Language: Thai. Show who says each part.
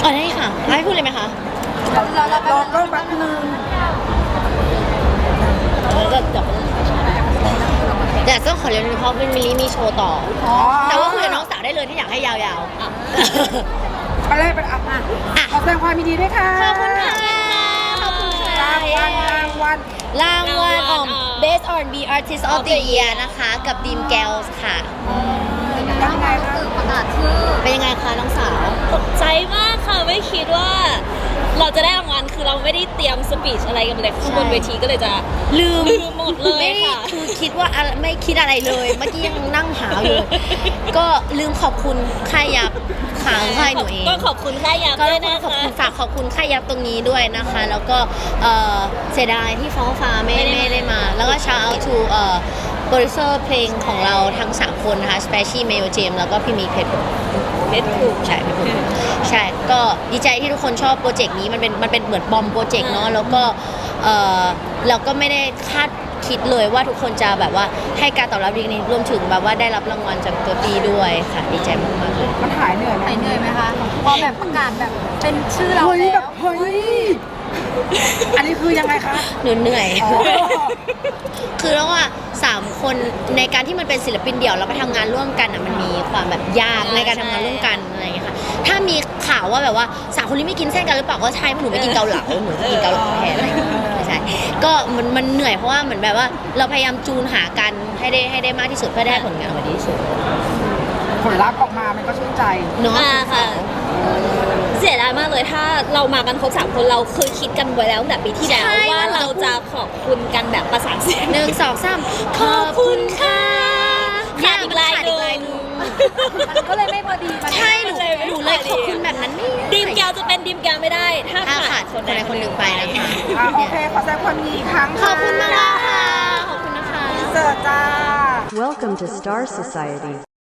Speaker 1: อ๋อได้ค่ะให้พูดเลยไหมคะ
Speaker 2: รอก็แป๊บนึง
Speaker 1: แต่ต้องขอเรียนรู้เพราะเป็นมิลลี่มีโชว์ต่อแต่ว่าคุยกับน้องสาวได้เลยที่อยากให้ยาวๆ
Speaker 2: ไปเลยไปอ่ะขอแสดงความยินดีด้วยค่ะ
Speaker 1: ขอบคุณค่ะขอบคุณค่ะรางวัลBest R&B Artist of the Year นะคะกับ Dream Girls ค่ะ
Speaker 2: ยังไงคะ
Speaker 3: ประกาศชื่อ
Speaker 1: เป็นยังไงคะน้องสาว
Speaker 3: ตกใจมากค่ะไม่คิดว่าเราจะได้รางวัลคือเราไม่ได้เตรียมสปีชอะไรกันเลยบนเวทีก็เลยจะลืมหมดเลยค่ะ
Speaker 1: คือคิดว่าไม่คิดอะไรเลยเมื่อกี้ยังนั่งหาอยู่ก็ลืมขอบคุณค่ายยับขาค่ายหนูเอง
Speaker 3: ก็ขอบคุณค่ายยับด้วยนะคะ
Speaker 1: ฝากขอบคุณค่ายยับตรงนี้ด้วยนะคะแล้วก็เสียดายที่ฟ้าไม่ได้มาแล้วก็ shout out to โปรดิวเซอร์เพลงของเราทั้ง3คนนะคะ Special Mayo James แล้วก็พี่มีเพชรใช่ใช่ก็ดีใจที่ทุกคนชอบโปรเจกต์นี้มันเป็นเหมือนบอมโปรเจกต์เนาะแล้วก็เราก็ไม่ได้คาดคิดเลยว่าทุกคนจะแบบว่าให้การตอบรับดีนี้รวมถึงแบบว่าได้รับรางวัลจากตัวปีด้วยค่ะดีใจมากๆเลย
Speaker 2: มันหายเหนื่อยไหม
Speaker 3: คะพอแบบประกาศแบบเป็นชื่อเรา
Speaker 2: แล้วเฮ้ยอันนี้คือยังไงคะ
Speaker 1: เหนื่อยคือแล้วว่า3คนในการที่มันเป็นศิลปินเดี่ยวแล้วไปทำงานร่วมกันอ่ะมันมีความแบบยากในการทำงานร่วมกันอะไรอย่างเงี้ยค่ะถ้ามีข่าวว่าแบบว่า3คนนี้ไม่กินเส้นกันหรือเปล่าก็ใช่เพราะหนูไม่กินเกาเหลาหนูจะกินเกาเหลาแทนอะไรอย่างเงี้ยไม่ใช่ก็มันเหนื่อยเพราะว่าเหมือนแบบว่าเราพยายามจูนหากันให้ได้มากที่สุดเพื่อได้ผลงานออกมาดีที่สุด
Speaker 2: ผลลัพธ์ออกมามันก็ชื่นใจ
Speaker 1: เนาะ
Speaker 3: ค่ะเสียดายมากเลยถ้าเรามากันครบ3คนเราเคยคิดกันไว้แล้วตั้งแต่ปีที่แล้วว่าเราจะขอบคุณกันแบบประสานเสียง
Speaker 1: 1 2 3ขอบคุณค่ะ
Speaker 3: ขาดอีกลายหนึ่งมันก็เลยไม่พอดี
Speaker 1: ใช่หนูเลยขอบคุณแบบนั้นไม่
Speaker 3: ดีมแกวจะเป็นดีมแกวไม่ได้ถ้า
Speaker 1: ขาดคนใดคนหนึ่งไปนะคะ
Speaker 2: โอเคขอแสดงความยินดีอีกครั้ง
Speaker 1: ขอบคุณมากค่ะขอบคุณนะคะ
Speaker 2: เสิร์ฟจ้า
Speaker 4: Welcome to Star Society